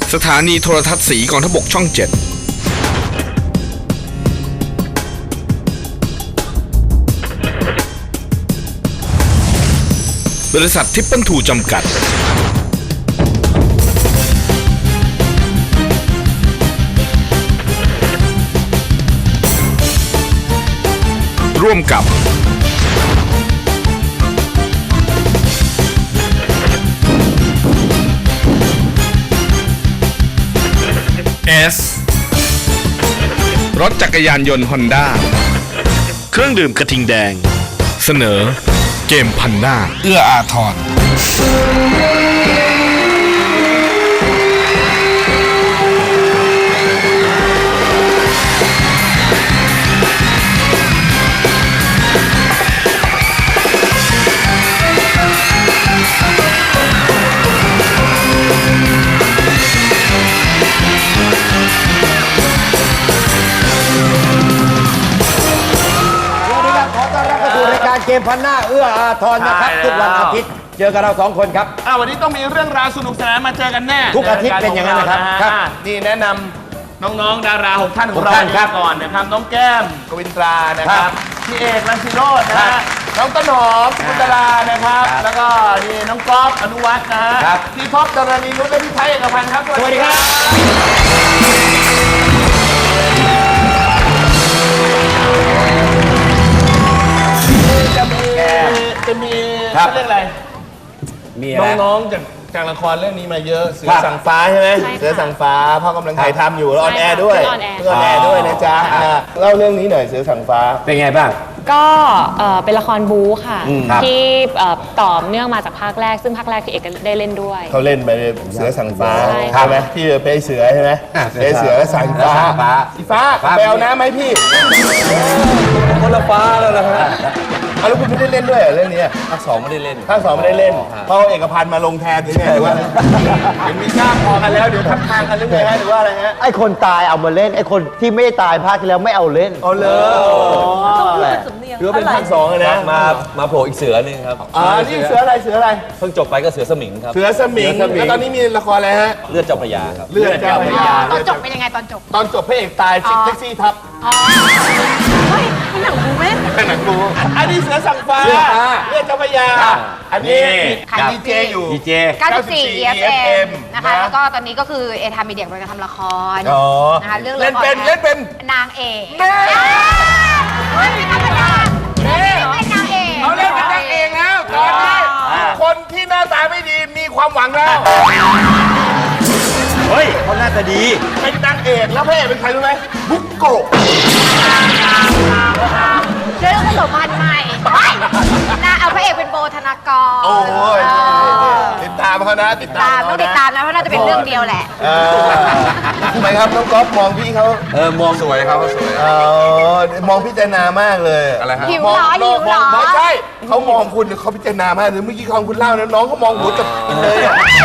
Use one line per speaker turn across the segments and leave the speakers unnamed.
สถานีโทรทัศน์สีกองทพบกช่อง 7บริษัททิปเปิลทูจำกัดร่วมกับ รถจักรยานยนต์ฮอนด้าเครื่องดื่มกระทิงแดงเสนอเกมพันหน้าเอื้ออาทร
เกมพันหน้าเอื้ออาทรนะครับทุกวันอาทิตย์เจอกับเรา2 คนครับ
วันนี้ต้องมีเรื่องราวสนุกสนานมาเจอกันแน่
ทุกอาทิตย์เป็นอย่างนั้นนะครับ
นี่แนะนำน้องๆดารา6 ท่านของเราก่อนนะครับน้องแก้มกวินตรานะครับพี่เอกรังสิโรจน์นะฮะน้องต้นหอมกุณตลานะครับแล้วก็นี่น้องก๊อฟอนุวัฒน์นะฮะพี่ท็อปดารณีนุชและพี่ไทยเอกพันธ์ครับ
สวัสดีครับ
จะมีเรื่องอะไรน้องๆจากละครเรื่องนี้มาเยอะเสือสั่งฟ้าใช่ไหมเสือสั่งฟ้าพ่อกำลังถ่ายทำอยู่แล้วออนแอร์ด้วยนะจ๊ะเล่าเรื่องนี้หน่อยเสือสั่งฟ้า
เป็นไงบ้าง
ก็เป็นละครบู๊ค่ะที่ต่อเนื่องมาจากภาคแรกซึ่งภาคแรกพี่เอกได้เล่นด้วย
เขาเล่นไปเสือสั่งฟ้าใช่ไหมที่ไปเสือใช่ไหมไปเสือสั่งฟ้าสีฟ้าไปเอาน้ำไหมพี่
คนละฟ้าแล้วนะฮะ
แล้วคุณไม่ได้เล่นด้วยเรื่องนี้
ภาค 2ไม่ได้เล่น
ภาค 2ไม่ได้เล่นเพราะเอกพันธ์มาลงแทนหรือไงหรือว่าเห็นมีกล้าพอกันแล้วเดี๋ยวทับทางกันหรือไงฮะหรือว่าอะไรฮะ
ไอ้คนตายเอามาเล่นไอ้คนที่ไม่ได้ตายภาคที่แล้วไม่เอาเล่น
เอาเลยหรือเป็นภาค 2เลยนะ
มาโผล่อีกเสือนึงครับ
นี่เสืออะไร
เพิ่งจบไปก็เสือสมิงครับ
เสือสมิงแล้วตอนนี้มีละครอะไรฮะ
เลือดเจ้าพระยาครับ
เลือดเจ้าพระยา
ตอนจบเป็นยังไงตอน
จบพระเอกตายแท็กซี่ทับ
เฮ้ยนี่หนังบูไหม
หนังบูอันนี้เสือสั่งฟ้าเลือดเจ้าพระยาอันนี้ดีเจอยู่
ดีเจ
94 EFM นะคะแล้วก็ตอนนี้ก็คือเอทามีเดียกำลังจะทำละครนะคะเรื่อง
เล่นเป็น
นางเอกไม่ธรรมดาเป็นนางเอก
เขาเล่นเป็นนางเอกแล้วตอนนี้คนที่หน้าตาไม่ดีมีความหวังแล้ว
เฮ้ยเขาหน้าตาดี
เป็นนางเอกแล้วพระเอกเป็นใครรู้ไหมบุกโกะ
เรื่องผสมพันธุ์ใหม่น่าเอาพระเอกเป็นโบธนากร
โอ้ยติดตามเขานะ
ติดตามต้องติดตามนะเพราะน่าจะเป็นเรื่องเดียวแหละ
ทำไมครับน้องก๊อฟมองพี่เขา
มองสวยครับเขาสวย
มองพิจารณามากเลย
อะไรฮะ
หิวหรอ
ไม่ใช่เขามองคุณเขาพิจารณามากเลยเมื่อกี้คุณเล่านะน้องเขามองหัวจบเลย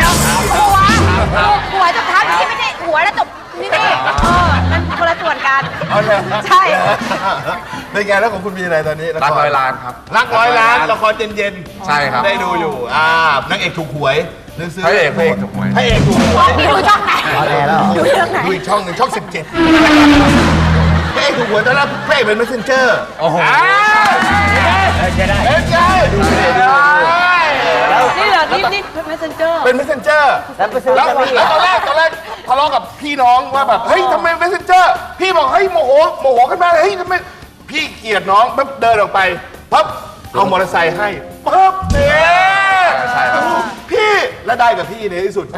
หัวจบเท้าที่ไม่ใช่หัวแล้วจบนี่มันคนละส่วนกันใช่
เป็นไงแล้วของคุณมีอะไรตอนนี้
รัก100 ล้านครับ
รัก100 ล้านละครเย็น
ใช่ครับ
ได้ดูอยู่นางเอกถูกหวย
พระเอกถูกหวย
พระเอกถูกหวย
พี่ดูช่องไหนดูเรื่องไหน
ดูอีกช่องหนึ่งช่อง 17พระเอกถูกหวยตอนแรกพระเอกเป็น messenger
โอ้โห
จะได้ดู
นี่เหรอนี่ messenger
เป็น messenger แล้วตอนแรกทะเลาะกับพี่น้องว่าแบบเฮ้ยทำไม messenger พี่บอกเฮ้ยโมโหขึ้นมาเลยเฮ้ยทำไมพี่เกลียดน้องปั๊บเดินออกไปปั๊บเอามอเตอร์ไซค์ให้ปั๊บเนี่ยพี่และได้กับพี่ในที่สุด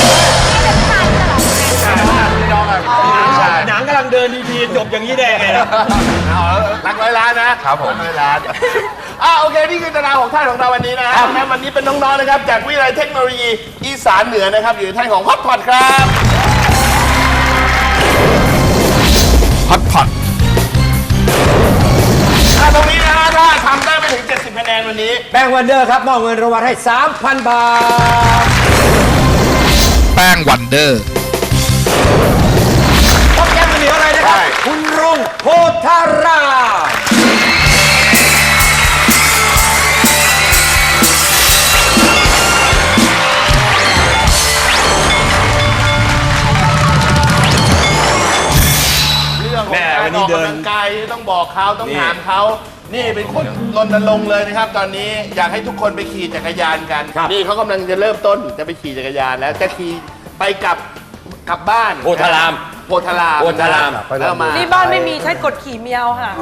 หนังกำลังเดินดีๆจบอย่างนี้ได้ไง
รัก100 ล้านนะครับผม100 ล้านโอเคนี่คือตารางของท่านของเราวันนี้นะครับวันนี้เป็นน้องๆนะครับจากวิทยาลัยเทคโนโลยีอีสานเหนือนะครับอยู่ในท่านของฮอตพอตครับ
ฮอตพอต
ตรงนี้นะฮะถ้าทำได้ไม่ถึง70 คะแนนวันนี้
แป้งวันเดอร์ครับมอบเงินรางวัลให้ 3,000 บาท
แป้งวันเดอร์
พบยังเหลืออะไรนะครับคุณรุ่งโพธารา
อกกำลังกายต้องบอกเขาต้องถามเขานี่เป็นคนรณรงค์เลยนะครับ ตอนนี้อยากให้ทุกคนไปขี่จักรยานกันนี่เขากำลังจะเริ่มต้นจะไปขี่จักรยานแล้วจะขี่ไปกลับบ้าน
โพธาราม
โพธาราม
โพธาราม
แล้วมา
นี่บ้านไม่มีใช้กดขี่เมียวค่ะ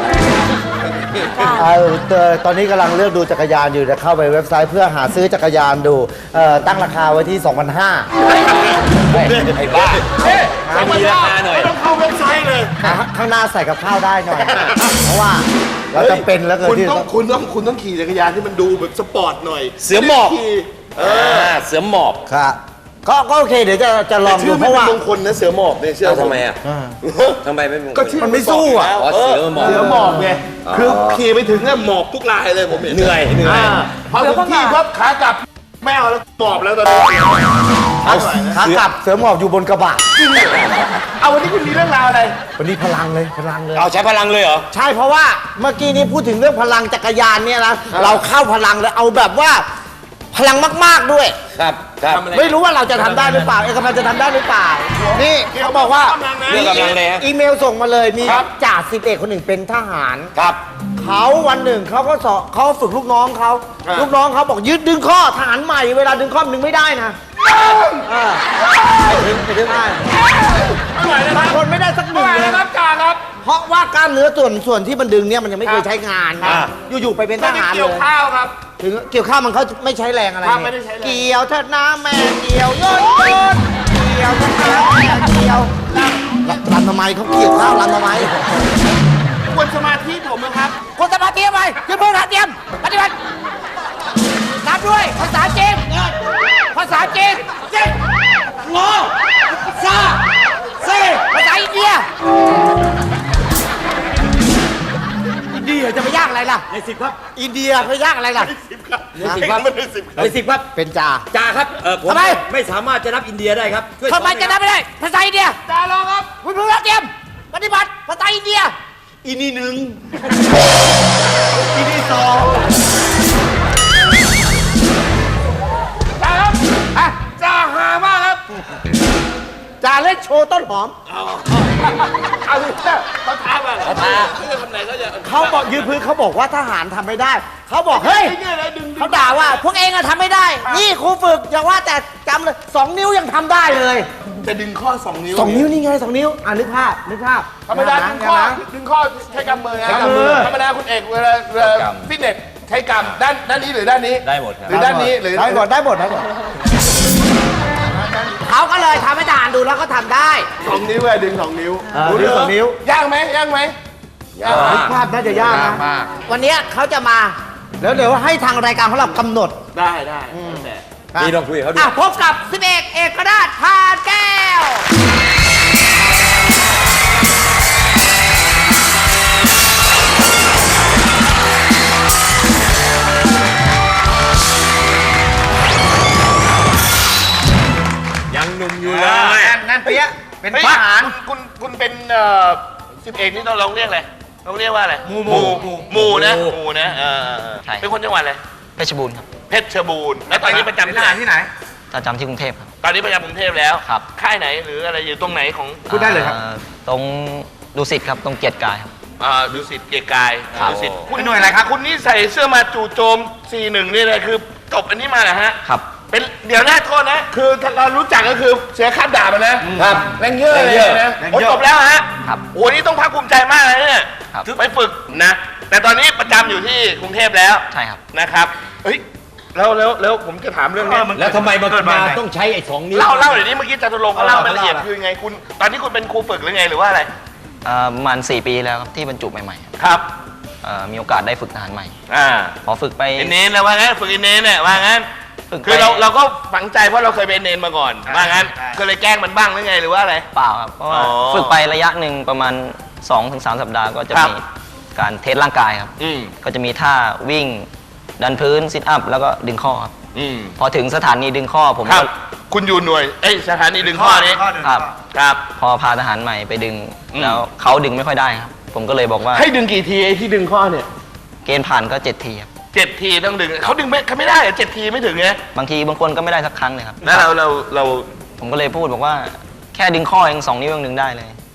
ตอนนี้กำลังเลือกดูจักรยานอยู่จะเข้าไปเว็บไซต์เพื่อหาซื้อจักรยานดูตั้งราคาไว้ที่ 2,500
ไอ้บ้า
ไม่มีราคาหน่อยต้องเข้าเว็บไซต์เลย
ข้างหน้าใส่กับข้าวได้หน่อย เพราะว่าเราจะเป็นแล้วเกิน
คุณ
ที่
ต้องขี่จักรยานที่มันดูแบบสปอร์ตหน่อย
เสือหมอบ
ขี่
เสือหมอบ
ครับก็โอเคเดี๋ยวจะลอง
ชื่
ดู
อ
เพ
ไม่
ราะ
เป็น
ว่า
มงคลนะเสือหมอบเนี่ยเชื่อ
ทำไมอ่ะทำไมไม่เป็น
ก็ชื่อ
มันไม่สู้อ่ะ
อ๋อเสือหมอบ
เสือหมอบไงคือขี่ไปถึงเนี่ยหมอบทุกรายเลยผมเห็น
เหนื่อย
พอถึงที่ปั๊บขากลับไม่เอาแล้วหมอบแล้วตอนนี้
ขากลับเสือหมอบอยู่บนกระบะ
เอาวันนี้คุณมีเรื่องราวอะไร
วันนี้พลังเลย
เอาใช้พลังเลยเหรอ
ใช่เพราะว่าเมื่อกี้นี้พูดถึงเรื่องพลังจักรยานเนี่ยนะเราเข้าพลังเลยเอาแบบว่าพลังมากๆด้วย
ครับครับ
ไม่รู้ว่าเราจะทำได้หรือเปล่าเอกพันธ์จะทำได้หรือเปล่า นี่เขาบอกว่า
เรื่องกำลังเลยฮะ
อีเมลส่งมาเลยมีจ่าสิบเอกคนหนึ่งเป็นทหาร
ครับ
เขาวันหนึ่งเขาก็สอนเขาฝึกลูกน้องเขาลูกน้องเขาบอกยืดดึงข้อทหารใหม่เวลาดึงข้อมันดึงไม่ได้นะไปดึงได้บางคนไม่ได้สักหนึ่งเลย
ครับจ่าครับ
เพราะว่ากล้ามเนื้อส่วนที่มันดึงเนี่ยมันยังไม่เคยใช้งานอยู่ๆไปเป็นทหารเล
เกี่ยวย ข้าวครับ
ถึงเกี่ยวข้าวมันเขาไม่ใช้แรงอะไร
ครับ
เนี่ย
ไม่ได้ใช้แรง
เกี่ยวเถิดน้ำแม่เกี่ยวโยนเกี่ยวเถิดน้ำแม่เกี่ยวลำทำไมเขาเกี่ยวข้าวลำทำไม
ควรสมาธิผมนะครับ
คนจะมาเตรียมไปยืนพื้นฐานเตรียมปฏิบัตินับด้วยภาษาจีนภาษาจีนจีนงอซาเซภาษาอินเดียอินเดียจะไปยากอะไรล่ะใน10ครับอินเดียไปยากอะไรล่ะ
10 ครับไม่ได้10
ใน10ครับ
เป็นจ่า
จ่าครับผม
ทำไม
ไม่สามารถจะนับอินเดียได้ครับช่วย
ทำไมจะนับไม่ได้ภาษาอินเดีย
จ่าลองครับ
คุณผู้เตรียมปฏิบัติภาษาอินเดีย
อินนี่หนึ่ง
ทีที่2จ่าครับจ่าหามากครับ
จ่าเล่นโชว์ต้นหอม
เอาดิเขาท้ามาเหรอเขาจะทำไหนเขาจะ
เขาบอกยืนพื้นเขาบอกว่าทหารทำไม่ได้ เขาบอกเฮ้ย
เนี่ยอะไรดึง
เขาด่าว่าพวกเองอะทำไม่ได้ นี่ครูฝึกอย่าว่าแต่จำเลย2 นิ้วยังทำได้เลย
จะดึงข้อ 2 นิ้ว
2 นิ้วนี่ไง2 นิ้วนึกภาพ
ธรรมดาดึงข้อใช้กำมือนะธรรมดาคุณเอกเวลาฟิตเนสใช้กำด้านนี้หรือด้านนี้
ได้หมดครับ
หรือด้านนี้หรือ
ได้หมดเขาก็เลยทำให้ทหารดูแล้วก็ทำได้
2 นิ้วเลยดึง 2 นิ้ว
ดึง2 นิ้ว
ยากไหมยากไหมยาก
นึกภาพน่าจะยากนะ
มาก
วันนี้เขาจะมาแล้วเดี๋ยวให้ทางรายการของเรากำหนด
ได้
นี่ลองคุยกับเขาดู
พบกับ11เอกราชพานแก้ว
ยังหนุ่มอยู่เลย
นั่นเปี้ยะเป็น
เป็น
ท
ท
หา
หาร รคุณเป็น11นี่ต้องลองเรียกอะไรต้องเรียกว่าอะไรหมู่นะเป็นคนจังหวัดอะไร
เพชรบูรณ์ครับ
เพชรบูรณ์แล้วตอนนี้ประจำที่ไหน
ประจำที่กรุงเทพครับ
ตอนนี้ประจำกรุงเทพแล้ว
ครับ
ค่ายไหนหรืออะไรอยู่ตรงไหนของ
ตรงดุสิตครับ ตรงเกียรติกายครับ
ดุสิตเกียรติกาย
ครับ
ดุสิตคุณหน่วยอะไรครับคุณนี่ใส่เสื้อมาจู่โจม 41นี่เลยคือจบอันนี้มาเหรอฮะ
ครับ
เป็นเดี๋ยวหน้าโทษนะ คือเรารู้จักก็คือเสียค่าด่ามานะครับแรงเยอะเลยนะโอ้จบแล้วฮะ
ครับ
โอ้นี่ต้องภาคภูมิใจมากเลยเนี่ย
ครับ
ไปฝึกนะ แต่ตอนนี้ประจำอยู่ที่กรุงเทพแล้ว
ใช่ครับ
นะครับเฮ้ยแล้วผมจะถามเรื่องนี้
แล้วทำไมมาต้องใช้ไอ้2 นิ้ว
เล่าเดี๋ยวนี้เมื่อกี้จตุรงค์เขาเล่ารายละเอียดคือไงคุณตอนนี้คุณเป็นครูฝึกหรือไงหรือว่าอะไร
ประมาณ4 ปีแล้วครับที่บรรจุใหม่ๆครับ
ครับ
มีโอกาสได้ฝึกทหารใหม่
อ่า
พอฝึกไป
เนนแล้วว่างั้นฝึกเนนเนี่ยว่างั้น
ฝึกไป
คือเราก็ฝังใจเพราะเราเคยเป็นเนนมาก่อนว่างั้นก็เลยแกล้งมันบ้างหรือไงหรือว่าอะไร
เปล่าครับ เพราะว่า
อ๋อ
ฝึกไประยะหนึ่งประมาณ 2-3 สัปดาห์ก็จะ
ครับ
มีการเทสร่างกายครับ
อืม
ก็จะมีท่าวิ่ง ดันพื้นซิทอัพแล้วก็ดึงข้อครับ
อืม
พอถึงสถานีดึงข้อผม
ครั
ก็
บ คุณอยู่หน่วยสถานีดึงข้อนี้
ครับ
ครับ
พอพาทหารใหม่ไปดึง
อืม
แล้วเขาดึงไม่ค่อยได้ครับ ผมก็เลยบอกว่า
ให้ดึงกี่ทีไอ้ที่ดึงข้อเนี่ย
เกณฑ์ผ่านก็7 ทีครับ
7 ทีต้องดึงเขาดึงไม่ได้เหรอ7 ทีไม่ถึงไง
บางทีบางคนก็ไม่ได้สักครั้งเลยครับ
แล้วเรา
ผมก็เลยพูดบอกว่าแค่ดึงข้อเอง2 นิ้วยังดึงได้เลย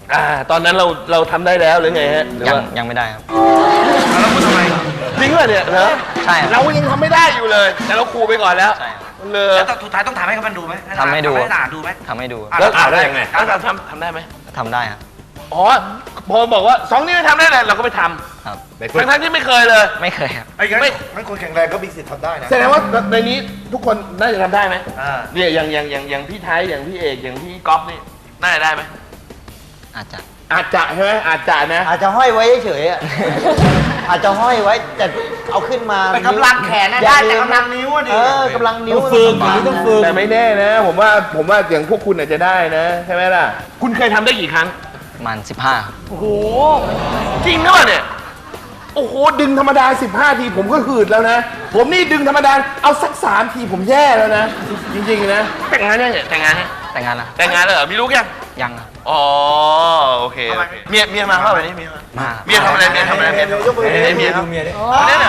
ตอนนั้นเราทำได้แล้วหรือไงฮะหรือว่า
ยังไม่ได้ครับ
แล้วพูดทำไมจริงเหรอเนี่ยเหรอ
ใช่ครับ
เรายังทำไม่ได้อยู่เลย แต่เราครูไปก่อนแล้ว
ใช่ครับ
เลย
แล้วสุดท้ายต้องทำให้เขามันดูไหม
ทำให้ดู
ให้หลานดูไหม
ทำให้ดู
แล้วได้ยังไงทำได้ไหม
ทำได้ครับ
อ๋อพอบอกว่า2 นิ้วทำได้เลยเราก็ไปท
ครับ
ำทั้งที่ไม่เคยเลย
ไม่เคยครับ
ไม่คนแข็งแรงก็มีสิทธิ์ทำได้นะ
แสดงว่าในนี้ทุกคนน่าจะทำได้ไหม
อ่า
เนี่ยอย่างพี่ไทยอย่างพี่เอกอย่างพี่ก๊อฟนี่น่าจะได้ไหม
อาจจะ
อาจจะใช่ไหมอาจจะนะ
อาจจะห้อยไว้เฉยๆอะอาจจะห้อยไว้แต่เอาขึ้นมา
เป็นกำลังแขนนะได้แต่กำลังนิ้วอะดิ
กำลังนิ้ว
ต้องฝึกอย่างนี้ต้องฝึก
แต่ไม่แน่นะ ผมว่าอย่างพวกคุณอาจจะได้นะใช่ไหมล่ะคุณเคยทำได้กี่ครั้ง
ประมาณ15ครับ
โอ้โหจริงหรือเปล่าเนี่ยโอ้โหดึงธรรมดา15 ทีผมก็หืดแล้วนะ ผมนี่ดึงธรรมดาเอาสัก3 ทีผมแย่แล้วนะ จริงๆนะแต่งงานยังเนี่ยแต่งงานยัง
แต่งงานแล้ว
แต่งงานแล้วเหรอมีลูกยัง
ยังครับ
อ๋อโอเคโอเคเมียมาเข้าไปนี่เมียมา
มา
เมียทำอะไรเมียทำอะไรเมียทำอะไรเมียครับ
เมียดิ
เอาเนี่ยนะ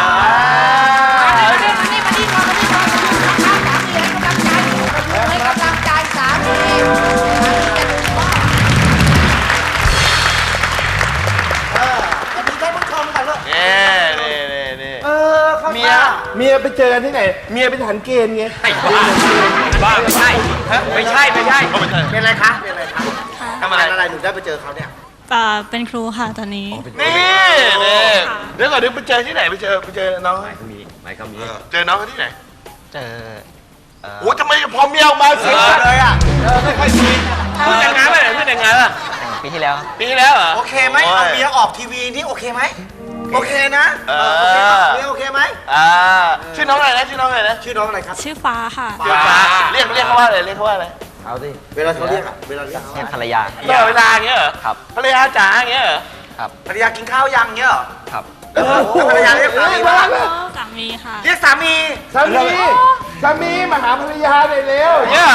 เมียไปเจอกันที่ไหน เมียไปฐานเกณฑ์ไง
บ้าไม่ใช่ไม่ใช่
เป็นอะไรคะทำอะไร
อะไรหนูได้ไปเจอเขาเนี่ย
เป็นครูค่ะตอนนี้
นี่เดี๋ยวก่อนเดี๋ยวไปเจอที่ไหนไปเจอน้องเจอน้องเขาที่ไหน
เจอ
โอ้ทำไมพอเมียออกมาเสียเลยอ่ะไม่ค่อยดีเพิ่งแต่งงานไปไหนเพิ่งแต่งงานอ่ะ
แต่งปีที่แล้วครับ
ปีที่แล้วเหรอ
โอเคไหมเอาเมียออกทีวีนี่โอเคไหมโอเคนะเมียโอเคไหม
ชื่อน้องอะไรนะชื่อน้องอะไรนะ
ชื่อน้องอะไรครับ
ชื่อฟ้าค่ะ
เรียกเขาว่าอะไรเรียกเขาว่าอะไร
เอาสิ
เวลาเขาเรียกอะเวลาเรียกเขา
เรียกภรรยา
ตลอดเวลาอย่างเงี้ยเหรอ
ครับ
ภรรยาจ๋าอย่างเงี้ยเหรอ
ครับ
ภรรยากินข้าวยังเงี้ยเหรอ
ครับ
แล้วภรรยาเรียกสามีว่า
สามีค่ะ
เรียกสามี
สามีมาหาภรรยาหน่อยเร็วเนี่ย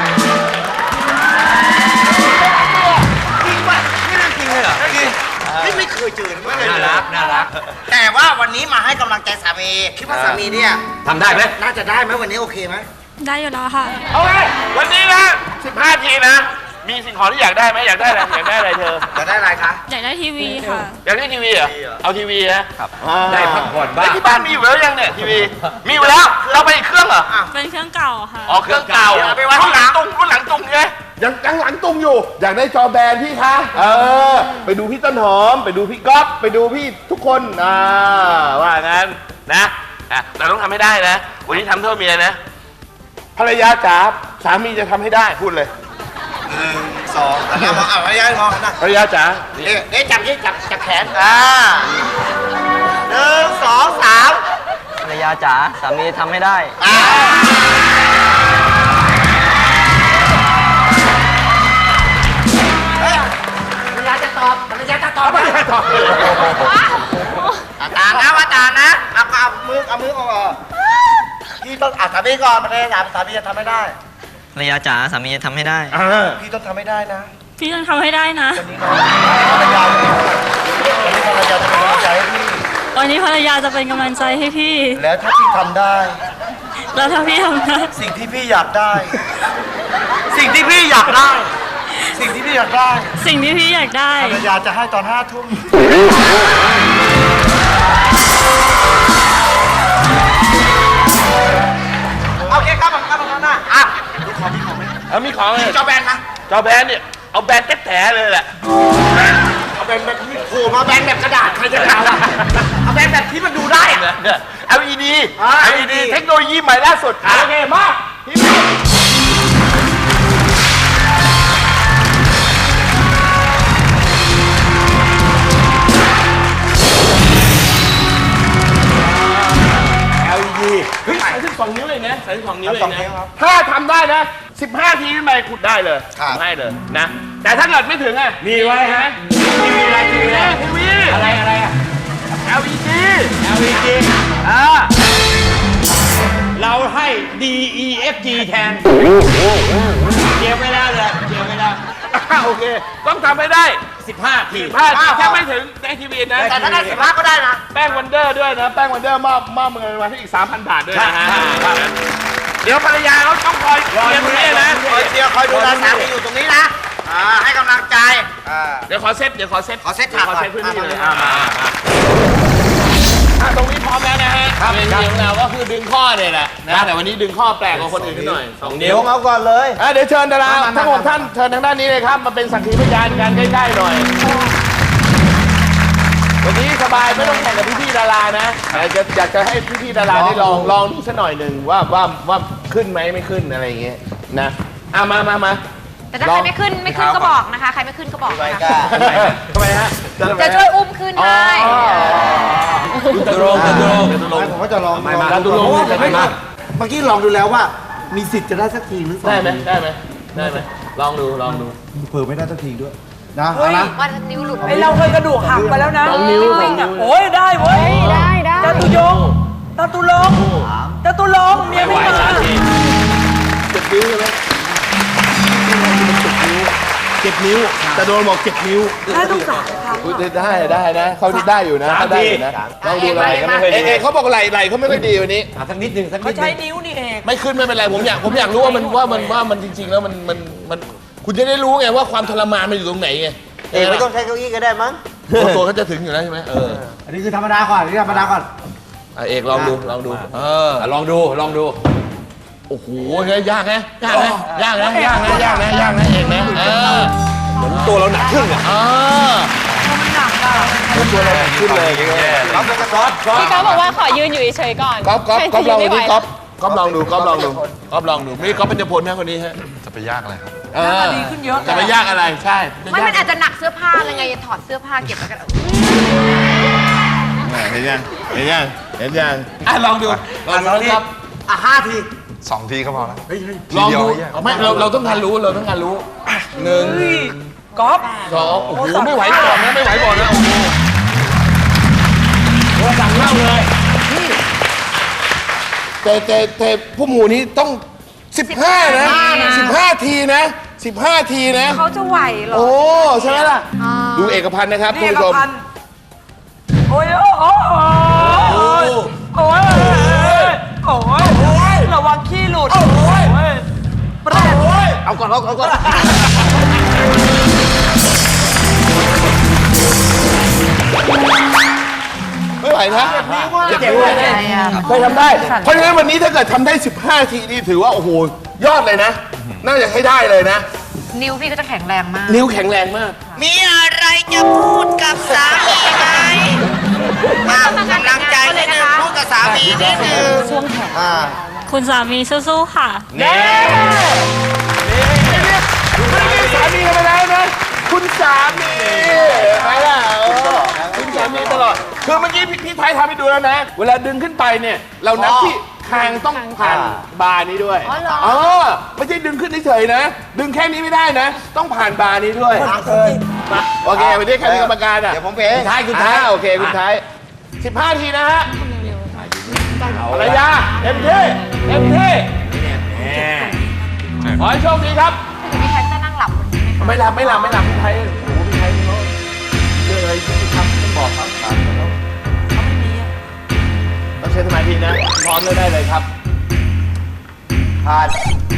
จริงป่ะนี่เรื่องจริงเลยเหรอจริงนี่ไม่เคยเจอไม่เคยเจอน่ารักแต่ว่าวันนี้มาให้กำลังใจสามีคิดว่าสามีเนี่ยทำได้ไหมน่าจะได้ไหมวันนี้โอเคไหม
ได้อยู่แล้วค่ะ
เอาไงวันนี้นะ15 ทีนะ มีสิ่งของที่อยากได้ไหมอยากได้อะไรอยากได้อะไรเธอ
จะได้อะไรคะ
อยากได้ทีวีค่ะ
อยากได้ทีวีเหรอเอาทีวีนะครับ
ได้พักผ่อนบ้าง
แล้วที่บ้านมีอยู่แล้วยังเนี่ยทีวีมีอยู่แล้วเราไปอีกเครื่องเหรอ
เป็นเครื่องเก่าค่ะ
อ๋อเครื่องเก่าไปวางรุ่นหลังตุงใช่ไหมยังหลังตุงอยู่ อยากได้จอแบนพี่คะไปดูพี่ต้นหอม ไปดูพี่ก๊อฟไปดูพี่ทุกคนว่างั้นนะแต่ต้องทำให้ได้นะวันนี้ทำเท่าเมียนะภรรยาจ๋าสามีจะทำให้ได้พูดเลย
2 เอาภรรยามองนะ
ภรรยาจ๋า
เอ๊ะจับยี่จับแขน1 2 3
ภรรยาจ๋าสามีทำให้ได้
ภรรยาจะตอบภรรยาจะตอบตามนะว่าตามนะเอามือออกพี่ต้องสามีก่อนภรรยาสามีจะทำไม่ได้
ภรรยาจ๋าสามีทำให้ได้
พี่ต้องทำไม่ได้นะ
พี่ต้องทำให้ได้นะ
วันนี้ภรรยาจะเป็นกำลังใจให้พี่
วันนี้ภรรยาจะเป็นกำลังใจให้พี่
แล้วถ้าพี่ทำได้
แล้วถ้าพี่ทำได้
สิ่งที่พี่อยากได้ สิ่งที่พี่อยากได้ สิ่งที่พี่อยากได้
สิ่งที่พี่อยากได้
ภรรยาจะให้ตอน5 ทุ่มโอเคครับผมนะดูของพี่ของไหม
มีของเลย
จอแบนนะ
จอแบนเนี่ยเอาแบนแท้ๆเลยแหละ
เอาแบนแบบที่โผล่มาแบนแบบกระดาษใครจะเอาอะเอาแบนแบบที่มันดูได้อะ
เนี่ย LED
LED
เทคโนโลยีใหม่ล่าสุดโอเคมาทีวีเฮ้ย32 นิ้วเลยนะ32 นิ้วเลยนะถ้าทำได้นะ15 ทีขึ้นไปขุดได้เลยทำให้เลยนะแต่ถ้าเกิดไม่ถึงอ่ะมีไว้ฮะทีวีอะไรอ่ะ LED
เราให้ DEFG แทนเกี่ยวไม่ได้เลยเกี่ยวไม่ได้
โอเคต้องทำให้ได้
15 ที
15 ทีแค่ไม่ถึงได้ทีวีนะ
แต่ถ้าได้15ก็ได้นะ
แป้งวันเดอร์ด้วยนะแป้งวันเดอร์มอบเงินมาให้อีก 3,000 บาทด้วยนะฮะเดี๋ยวภรรยาเขาต้องคอยเตรียมตรงนี้นะ
คอยเชียร์คอยดูแลสามีอยู่ตรงนี้นะให้กำลังใจ
เดี๋ยวขอเซต
ขอเซตฉากก่อน
ขอเซตพื้นที่เลยตรงนี้พร้อมแล้วนะฮะเวทีของเราก็คือดึงข้อเนี่ยแหละนะแต่วันนี้ดึงข้อแปลกกว่าคนอื่นนิดหน่อย2 นิ้ว
เอาก่อนเลย
เดี๋ยวเชิญดาราทั้ง6ท่านเชิญทางด้านนี้เลยครับมาเป็นสักขีพยานกันใกล้ๆหน่อยวันนี้สบายไม่ต้องแข่งกับพี่ๆดารานะอยากจะให้พี่ๆดาราได้ลองดูสักหน่อยหนึ่งว่าขึ้นไหมไม่ขึ้นอะไรอย่างเงี้ยนะมา
แต่ถ้าใครไม่ขึ้นก็บอกนะคะ ใครไม่ขึ้นก็บอกนะคะ
ทำไมฮะ
จะช่วยอุ้มขึ้นให้
ตรง
ผมก็จะลอง
การดูลง
เมื่อกี้ลองดูแล้วว่า มีสิทธิ์จะได้สักทีหรือ
ได้ไหมลองดู
เผื่อไม่ได้สักทีด้วยนะ
เฮ้ย
นะ
ว่านิ้วหลุดไอเราเคยกระดูกหักไปแล้วนะ
2 นิ้ว
วิ่งอ่ะโอ้ยได้เว้ย
ได้
จตุยงจตุลงเมียไม่มา
7 นิ้วใช่ไหม7 นิ้วแต่โดนบอก7 นิ้ว
ได้ต้องสามครั้ง
ได้นะเขาได้อยู่นะเขาได้อยู่นะลองดูไหล่เขาบอกไหล่เขาไม่ค่อยดีวันนี้
สักนิดหนึ่งสักนิ
เขา
ดห
ใช้
นึ่ง
นิ้วนี่เอง
ไม่ขึ้นไม่เป็นไรผมอยากรู้ว่ามันจริงๆแล้วมันคุณจะได้รู้ไงว่าความทรมานมันอยู่ตรงไหนไง
ไม่ต้องใช้เก้าอี้ก็ได้มั้ง
ตัวเขาจะถึงอยู่แล้วใช่ไหม
อันนี้คือธรรมดาก่อน
เอกลองดูลองดูโอ้โหยากนะเอกนะเหมือนตัวเราหนักขึ้นอ่ะ
มันหนักอ่ะ
ตัวเราหนักขึ้นเลย
พี่ก๊อฟบอกว่าขอยืนอยู่เฉยๆก่อน
ก๊อฟลองดู
ไม่ไหว
ก๊อฟลองดูไม่ก๊อฟเป็นเจ้าพลนะคนนี้ฮะ
จะไปยากอะไรครับ
ดีขึ้นเยอะ
จะไม่ยากอะไรใช่
มันอาจจะหนักเสื้อผ้าอะไรไงถอดเสื้อผ้าเก็บไว้กัน
เห็นยังลองดูครับ
5 ที
2 ทีก็พอแล้ว
ลองดูไม่เราต้องการรู้1
ก๊อฟ
2โอ้โหไม่ไหวก่อนนะโอ้โหสั่งเล่าเลยแต่ผู้หมู่นี้ต้อง15นะ15 ทีนะ
เขาจะไหวเหรอ
โอ้ใช่ไหมล่ะดูเอกพันธ์นะครับคุณผู้ชม
โอ้ยระวังขี้หลุด
เอาก่อน
ไม่ไหวนะเจ็บนิ้วเคยทำได้เพราะฉะนั้นวันนี้ถ้าเกิดทำได้15 ทีนี่ถือว่าโอ้โหยอดเลยนะน่าจะให้ได้เลยนะ
นิ้วพี่ก็จะแข็งแรงมาก
นิ้วแข็งแรงมาก
มีอะไรจะพูดกับสามีไหมกำลังใจนิดนึงพูดกับสามีนิดนึง
คุณสามีสู้ๆค่ะ
นี่สามีกันไปแล้วนะคุณสามีไปแล้วคุณสามีตลอดคือเมื่อกี้พี่ไทยทำให้ดูแล้วนะเวลาดึงขึ้นไปเนี่ยเรานับที่คางต้องผ่านบาร์นี้ด้วยไม่ใช่ดึงขึ้นเฉยๆนะดึงแค่นี้ไม่ได้นะต้องผ่านบาร์นี้ด้วยโอเควันนี้ใครเป็นกรรมการอ่ะ
เดี๋ยวผมเป็น
คุณท้ายโอเคคุณท้าย15 ทีนะฮะภรรยาเต็มที่ขอให้โชคดีครับ
พี่แท็กจะนั่งหลับคนนี้ไหมคะ
ไม่หลับพี่ไทยโอ้โหพี่ไทยเขาเรื่องอะไรที่ทำต้องบอกครับต้องใช้สมาธินะพร้อมเลยได้เลยครับ
ผ่าน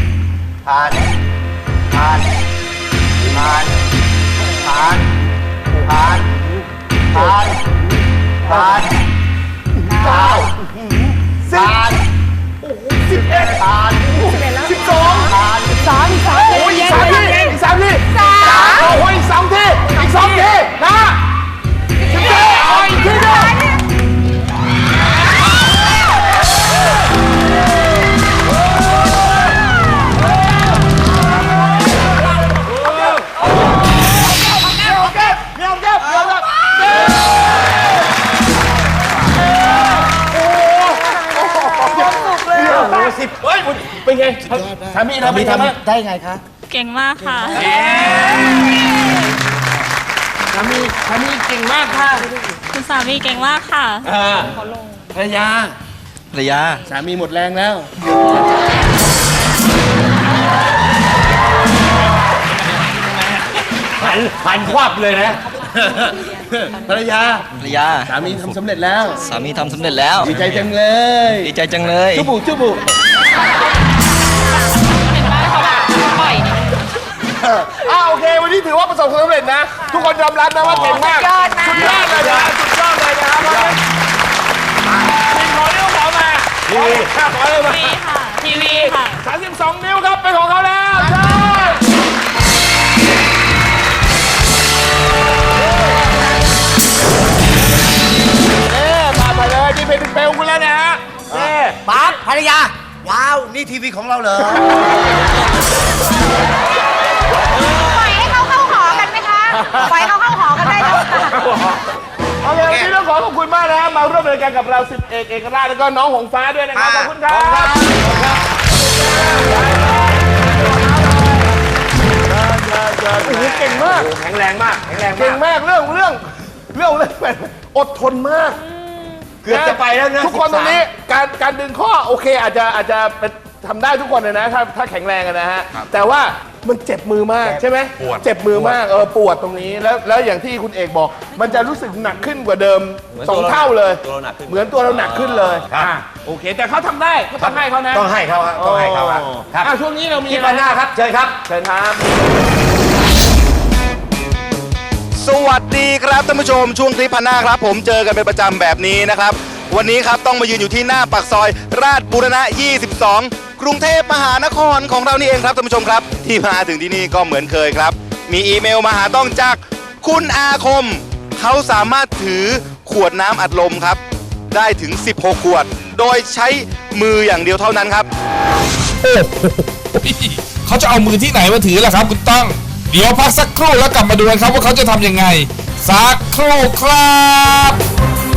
เป็นไงสามีทำ
ได้ไงคะ
เก่งมากค่ะ
สามีเก่งมากค่ะ
คุณสามีเก่งมากค่ะ
ภรรยาสามีหมดแรงแล้ว
หันควับเลยนะ
ภรรยาสามีทำสำเร็จแล้ว ดีใจจังเลย จุบุ
เห็นไหมเขาแบบปล่อย
โอเค วันนี้ถือว่าประสบความสำเร็จนะ ทุกคนยอมรับนะว่าเก่งมาก
สุดยอดนะ
สุดยอดเลยนะสุดยอดเลยนะครับขอนิ้วขอมาทีวีขอเลยมา
ทีวีค่ะ ทีวีค่ะ
32 นิ้วครับ เป็นของเขาแล้วใช่มาเลยนี่เป็นเปลวคุณแล้วนะฮะนี่
ปั๊บภรรยา ว้าว นี่ทีวีของเราเหรอ
ปล่อยให้เขาเข้าหอกันไหมคะ ปล่อยให้เขาเข้าหอกันได้ไหม
โอเควันนี้ต้องขอขอบคุณมากนะครับมาร่วมรายการกับเรา10เอกราชแล้วก็น้องหงฟ้าด้วยนะครับขอบคุณครับโอ้โหเก่งมาก
แข็งแรงมากแข็งแรง
เก่ง
มาก
มากเรื่องอดทนมาก
เกือบจะไปแล้วนะ
ทุกคนตรงนี้การดึงข้อโอเคอาจจะทำได้ทุกคนเลยนะถ้าแข็งแรงอะนะฮะแต่ว่ามันเจ็บมือมากใช่ไหมเจ็บมือมากปวดตรงนี้แล้วอย่างที่คุณเอกบอก มันจะรู้สึกหนักขึ้นกว่าเดิม2 เท่าเลยเหมือนตัวเราหนักขึ้นเลยโอเค แต่เขาทำได้ก็ต้องให้เขานะ
ต้องให้เขาครับต้องให้เขาครับ
ช่วงนี้เรามี
ที่พันหน้าครับ เชิญครับ
เชิญครับ
สวัสดีครับท่านผู้ชมช่วงคลิปพันหน้าครับ ผมเจอกันเป็นประจำแบบนี้นะครับ วันนี้ครับต้องมายืนอยู่ที่หน้าปากซอย ราชบูรณะ 22 กรุงเทพมหานครของเรานี่เองครับท่านผู้ชมครับ ที่มาถึงที่นี่ก็เหมือนเคยครับ มีอีเมลมาหาต้องจากคุณอาคม เขาสามารถถือขวดน้ำอัดลมครับ ได้ถึง 16 ขวด โดยใช้มืออย่างเดียวเท่านั้นครับ
โอ้โหเขาจะเอามือที่ไหนมาถือล่ะครับคุณต้อง เดี๋ยวพักสักครู่แล้วกลับมาดูกันครับว่าเขาจะทำยังไง สักครู่ครับ